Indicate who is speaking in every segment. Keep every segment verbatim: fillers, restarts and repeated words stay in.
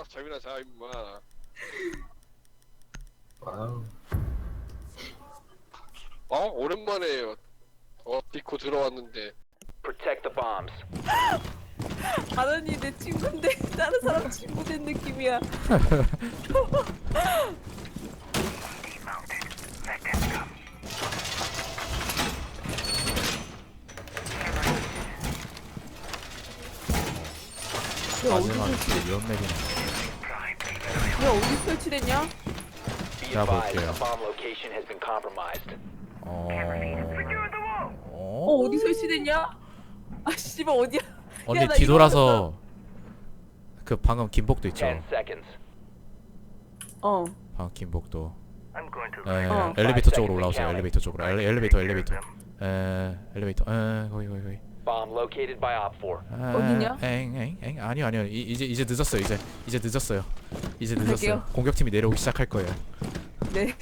Speaker 1: 알아서 잠이나 자 임마.
Speaker 2: 와우.
Speaker 1: 어 오랜만에 어 디코 들어왔는데.
Speaker 3: Protect the bombs.
Speaker 4: 아더니 내 친구인데 다른 사람 친구 된 느낌이야.
Speaker 5: 마지막 이런 맵이네.
Speaker 4: 왜 어디 설치됐냐?
Speaker 3: Be
Speaker 5: 자,
Speaker 3: advised,
Speaker 5: 볼게요.
Speaker 3: a bomb location has been compromised.
Speaker 5: 어...
Speaker 4: 어
Speaker 5: 어?
Speaker 4: 어디 설치됐냐? 아 씨발 어디야?
Speaker 5: 언니
Speaker 4: 야, 나
Speaker 5: 뒤돌아서 그 방금 김복도 있죠.
Speaker 3: Ten seconds.
Speaker 4: 어.
Speaker 5: 방금 김복도. 에,
Speaker 4: 어.
Speaker 5: 엘리베이터 쪽으로 올라오세요. 엘리베이터 쪽으로. 엘리, 엘리베이터 엘리베이터. 에, 엘리베이터. 에, 거기 거기 거기.
Speaker 3: Bomb located by Op four.
Speaker 5: 에,
Speaker 4: 어디냐?
Speaker 5: 엥엥엥 아니요 아니요. 이, 이제 이제 늦었어요. 이제 이제 늦었어요. 이제 늦었어요.
Speaker 4: 갈게요.
Speaker 5: 공격팀이 내려오기 시작할 거예요.
Speaker 4: 네.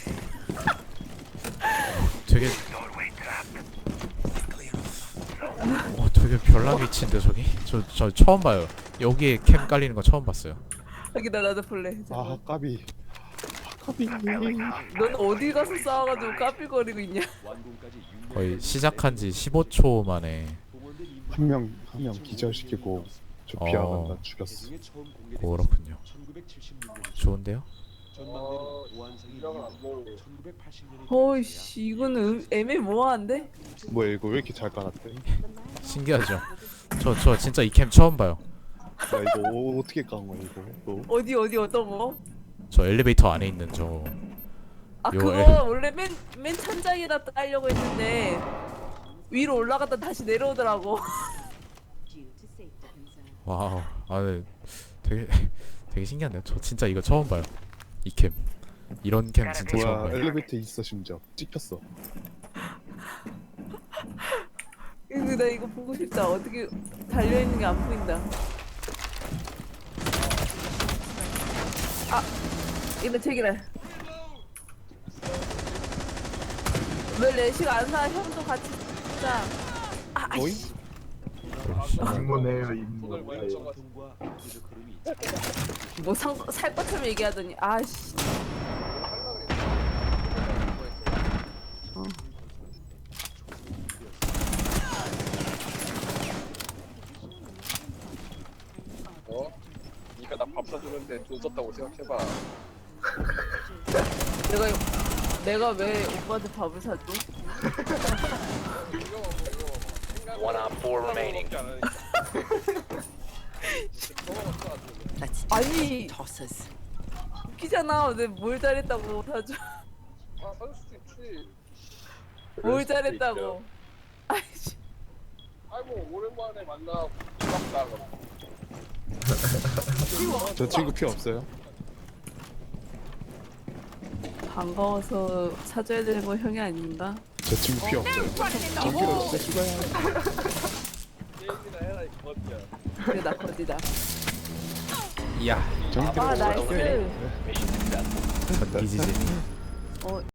Speaker 5: 되게 어 되게 별난 위치인데 저기 저 저 처음 봐요. 여기에 캠 깔리는 거 처음 봤어요.
Speaker 4: 여기다 나도 볼래.
Speaker 2: 아 까비. 까비.
Speaker 4: 넌 어디 가서 싸워가지고 까불거리고 있냐?
Speaker 5: 거의 시작한 지 십오 초 만에
Speaker 2: 한 명 한 명 기절시키고 조피아
Speaker 5: 어.
Speaker 2: 간다 죽였어.
Speaker 5: 그렇군요. 좋은데요?
Speaker 1: 어 이랑은 안 먹어.
Speaker 4: 어이씨 이거는 음- 애매모호한데?
Speaker 2: 뭐야 이거 왜 이렇게 잘 깔았대?
Speaker 5: 신기하죠? 저 저 진짜 이 캠 처음 봐요.
Speaker 2: 야 이거 어- 어떻게 깐 거야 이거? 너?
Speaker 4: 어디 어디 어떤 거?
Speaker 5: 저 엘리베이터 안에 있는 저
Speaker 4: 아
Speaker 5: 요
Speaker 4: 그거
Speaker 5: 애-
Speaker 4: 원래 맨 맨 천장에다 깔려고 했는데 위로 올라갔다 다시 내려오더라고.
Speaker 5: 와우. 아 네. 되게 되게 신기한데요. 저 진짜 이거 처음 봐요. 이 캠. 이런 캠 진짜 처음
Speaker 2: 뭐야
Speaker 5: 봐요.
Speaker 2: 엘리베이터 있어 심지어 찍혔어.
Speaker 4: 이거 나 이거 보고 싶다. 어떻게 달려 있는 게 안 보인다. 아 이거 책이래. 왜 레식 안 사? 형도 같이 자. 아
Speaker 2: 어이?
Speaker 4: 아이씨.
Speaker 2: 임무네요
Speaker 1: 손을
Speaker 2: 임무.
Speaker 1: 많이 쳐가지고.
Speaker 4: 뭐살 것처럼 얘기하더니 아씨. 어.
Speaker 1: 어? 니가 나 밥 사주는데 돈 썼다고 생각해봐.
Speaker 4: 내가 내가 왜 오빠한테 밥을 사줘?
Speaker 1: 이거 먹어 이거 먹어.
Speaker 3: One Op four remaining.
Speaker 4: 아니
Speaker 6: tosses.
Speaker 4: 웃기잖아. 내가 뭘 잘했다고 사줘?
Speaker 1: 아 사줄 수도 있지.
Speaker 4: 뭘 잘했다고? 아이씨.
Speaker 1: 아이고 오랜만에 만나 고맙다 그럼.
Speaker 2: 저 친구 피 없어요?
Speaker 4: 반가워서 사줘야 되는 거 형이 아닌가?
Speaker 2: 저 친구 피 없어요. 저기로 없어 씨발.
Speaker 1: 게임이나 해라 이 거지야.
Speaker 4: 그래 나 거지다.
Speaker 5: 이야.
Speaker 2: 전기로
Speaker 4: 아 나이스.
Speaker 3: Mission successful.
Speaker 5: 전기지진이.
Speaker 4: 어